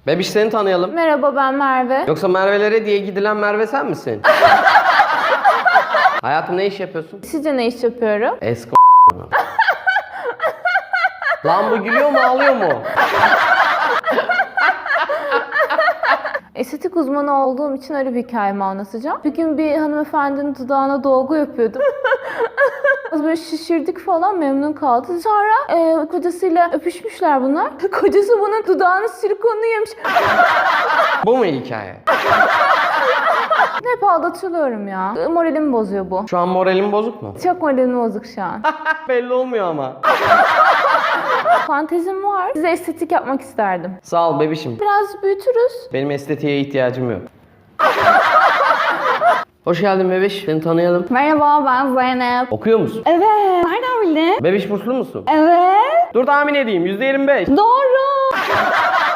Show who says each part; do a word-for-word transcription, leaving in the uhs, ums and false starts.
Speaker 1: Bebiş seni tanıyalım.
Speaker 2: Merhaba, ben Merve.
Speaker 1: Yoksa Merve'lere diye gidilen Merve sen misin? Hayatım ne iş yapıyorsun?
Speaker 2: Sizce ne iş yapıyorum?
Speaker 1: Esko. Lan bu gülüyor mu ağlıyor mu?
Speaker 2: Estetik uzmanı olduğum için öyle bir hikayemi anlatacağım. Bir gün bir hanımefendinin dudağına dolgu yapıyordum. Böyle şişirdik falan, memnun kaldı. Sonra e, kocasıyla öpüşmüşler bunlar. Kocası bunun dudağının silikonunu yemiş.
Speaker 1: Bu mu hikaye?
Speaker 2: Hep aldatılıyorum ya. Moralimi bozuyor bu.
Speaker 1: Şu an moralim bozuk mu?
Speaker 2: Çok moralim bozuk şu an.
Speaker 1: Belli olmuyor ama.
Speaker 2: Fantezim var. Size estetik yapmak isterdim.
Speaker 1: Sağ ol bebişim.
Speaker 2: Biraz büyütürüz.
Speaker 1: Benim estetiğe ihtiyacım yok. Hoş geldin bebiş. Seni tanıyalım.
Speaker 2: Merhaba, ben Zeynep.
Speaker 1: Okuyor musun?
Speaker 2: Evet. Nereden bildin?
Speaker 1: Bebiş burslu musun?
Speaker 2: Evet.
Speaker 1: Dur tahmin edeyim. yüzde yirmi beş.
Speaker 2: Doğru.